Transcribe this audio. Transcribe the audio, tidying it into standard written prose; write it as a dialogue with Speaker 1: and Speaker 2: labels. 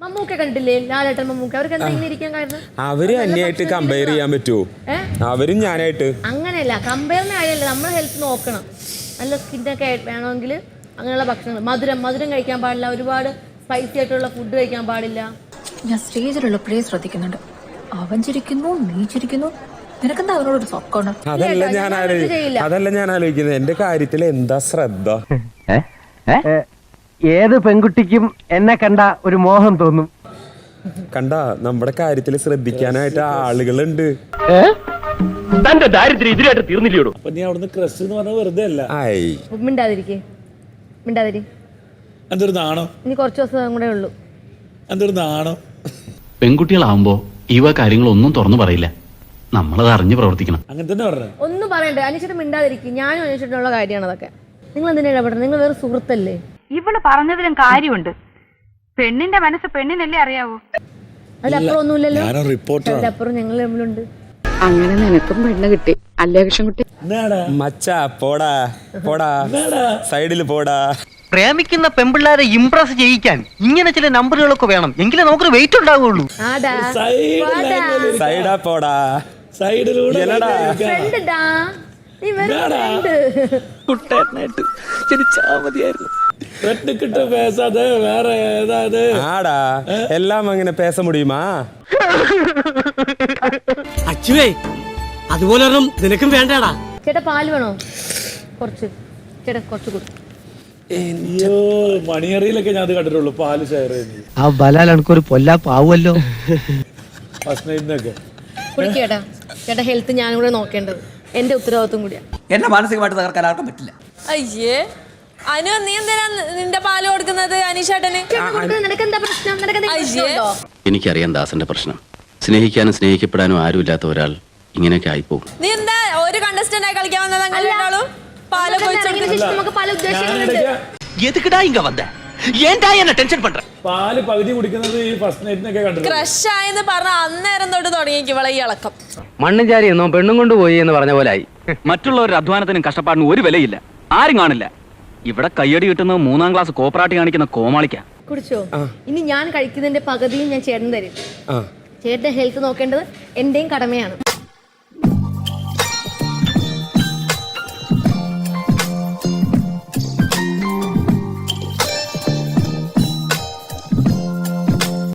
Speaker 1: മമ്മൂക്ക കണ്ടില്ലേ, ലാലേട്ടൻ മമ്മൂക്ക, അവർക്ക് എന്താ ഇങ്ങനെ ഇരിക്കാൻ കാരണം?
Speaker 2: അവര് അന്യായിട്ട് കമ്പയർ ചെയ്യാൻ പറ്റുമോ? അവരും ഞാനായിട്ട്
Speaker 1: അങ്ങനെയല്ല, കമ്പയറിന് കാര്യമല്ല, നമ്മൾ ഹെൽത്ത് നോക്കണം. നല്ല സ്കിന്നൊക്കെ വേണമെങ്കിൽ അങ്ങനെയുള്ള ഭക്ഷണങ്ങൾ, മധുരം കഴിക്കാൻ പാടില്ല, ഒരുപാട് സ്പൈസി ആയിട്ടുള്ള ഫുഡ് കഴിക്കാൻ പാടില്ല.
Speaker 3: ഞാൻ സ്റ്റേജിലുള്ളപ്പോഴേ ശ്രദ്ധിക്കുന്നുണ്ട്, അവൻ ചിരിക്കുന്നു, നീ ചിരിക്കുന്നു, നിനക്കെന്താ അവനോടൊരു സൊക്കമാണ്?
Speaker 2: അതല്ല ഞാൻ ആലോചിക്കുന്നത്, എന്റെ കാര്യത്തിൽ എന്താ ശ്രദ്ധ?
Speaker 4: ഏത് പെൺകുട്ടിക്കും എന്നെ കണ്ട ഒരു മോഹം തോന്നും.
Speaker 2: കണ്ട, നമ്മുടെ കാര്യത്തിൽ ശ്രദ്ധിക്കാനായിട്ട് ആളുകളുണ്ട്.
Speaker 4: തന്റെ ദാരിദ്ര്യം ഇതിലായിട്ട് തീർന്നില്ലയോ?
Speaker 5: അപ്പൊ നീ അവിടുന്ന് ക്രഷ് എന്ന് പറഞ്ഞാൽ വെറുതെ അല്ല.
Speaker 1: മിണ്ടാതിരി.
Speaker 5: എന്തൊരു നാണോ?
Speaker 1: ഇനി കുറച്ച് ദിവസം കൂടെ ഉള്ളൂ.
Speaker 5: എന്തൊരു നാണോ?
Speaker 6: പെൺകുട്ടികളാവുമ്പോ ഇവ കാര്യങ്ങളൊന്നും തുറന്നു പറയില്ല, നമ്മളത് അറിഞ്ഞ് പ്രവർത്തിക്കണം.
Speaker 5: അങ്ങനെ തന്നെ പറഞ്ഞ
Speaker 1: ഒന്നും പറയണ്ട. അന്വേഷിച്ചിട്ട് മിണ്ടാതിരിക്കും. ഞാനും അന്വേഷിച്ചിട്ടുള്ള കാര്യമാണ് അതൊക്കെ. നിങ്ങൾ എന്തിനാ ഇടപെടുന്നത്? നിങ്ങൾ വേറെ സുഹൃത്തല്ലേ?
Speaker 7: ഇവള് പറഞ്ഞതിലും കാര്യമുണ്ട്. പെണ്ണിന്റെ മനസ്സ് പെണ്ണിനല്ലേ അറിയാവൂ.
Speaker 1: അതിലപ്പുറം ഒന്നുമില്ലല്ലോ.
Speaker 5: ഞാനൊരു റിപ്പോർട്ടർ.
Speaker 1: അതിലപ്പുറം ഞങ്ങൾ തമ്മിലുണ്ട്.
Speaker 7: അങ്ങനെ നിനക്കും പെണ്ണ് കിട്ടി അല്ലേ കൃഷ്ണൻകുട്ടി?
Speaker 2: മച്ചാ പോടാ പോടാ, സൈഡില് പോടാ.
Speaker 4: പ്രേമിക്കുന്ന പെമ്പിള്ളാരെ ഇംപ്രസ് ചെയ്യിക്കാൻ ഇങ്ങനെ ചില നമ്പറുകളൊക്കെ വേണം, എങ്കിലേ നമുക്കൊരു വെയിറ്റ് ഉണ്ടാവുള്ളൂ.
Speaker 2: സൈഡാ പോടാ,
Speaker 5: സൈഡിലൂടെ വേറെ ഏതാത്
Speaker 2: ആടാ, എല്ലാം അങ്ങനെ പേസ മുടിയുമാ?
Speaker 8: അച്ചുവേ, അതുപോലെ നിനക്കും വേണ്ടാടാ.
Speaker 1: ചേട്ടാ പാല് വേണോ? കുറച്ച് ചേട്ടാ, കുറച്ച് കൊടുക്കും.
Speaker 5: അയ്യോ, മണിയറിയിലൊക്കെ ഞാൻ അത് കണ്ടിട്ടുള്ളൂ, പാല് ഷെയർ ചെയ്യുന്നത്.
Speaker 4: ആ ബലാൽ എനിക്കൊരു പൊല്ലാപ്പാവുമല്ലോ.
Speaker 5: ഫസ്റ്റ് നൈറ്റിനൊക്കെ
Speaker 1: കുടിക്കേട്ടാ. ചേട്ടാ ഹെൽത്ത് ഞാനും കൂടെ നോക്കേണ്ടത് എന്റെ ഉത്തരവാദിത്വം കൂടിയാണ്.
Speaker 8: എന്നെ മാനസികമായിട്ട് തകർക്കാൻ ആർക്കും പറ്റില്ല.
Speaker 9: അയ്യേ അനു, നീ എന്തിനാ നിന്റെ പാല് കൊടുക്കുന്നത് അനീഷേട്ടന്?
Speaker 6: എനിക്കറിയാം ദാസന്റെ പ്രശ്നം. സ്നേഹിക്കാനും സ്നേഹിക്കപ്പെടാനും ആരുമില്ലാത്ത ഒരാൾ ഇങ്ങനെയൊക്കെ ആയിപ്പോകും.
Speaker 9: നീ എന്താ ഒരു കണ്ടസ്റ്റന്റ് ആയി കളിക്കാൻ വന്നത്? അങ്ങനെയാളും പാല്
Speaker 5: പാല് പകുതി കുടിക്കുന്നത് ഈ ഫസ്റ്റ് നൈറ്റിനൊക്കെ കണ്ടിട്ടുണ്ട്.
Speaker 9: ക്രഷ് ആയെന്ന് പറഞ്ഞ അന്നേരം തൊട്ട് തുടങ്ങിയേക്കും ഇവളെ ഈ ഇളക്കം.
Speaker 4: മണ്ണും ചാരി എന്നോ പെണ്ണും കൊണ്ട് പോയി എന്ന് പറഞ്ഞ പോലെ ആയി.
Speaker 6: മറ്റുള്ളവരുടെ അധ്വാനത്തിനും കഷ്ടപ്പാടിനും ഒരു വിലയില്ല, ആരും കാണില്ല. ഇവിടെ കയ്യടി കിട്ടുന്നത് 3ാം ക്ലാസ് കോപ്പറാട്ടി കാണിക്കുന്ന കോമാളിക്ക.
Speaker 1: കുടിച്ചോ? ഇനി ഞാൻ കഴിക്കുന്നതിന്റെ പകുതിയും ഞാൻ ചേട്ടൻ തരും. ചേട്ടന്റെ ഹെൽത്ത് നോക്കേണ്ടത് എന്റെയും കടമയാണ്.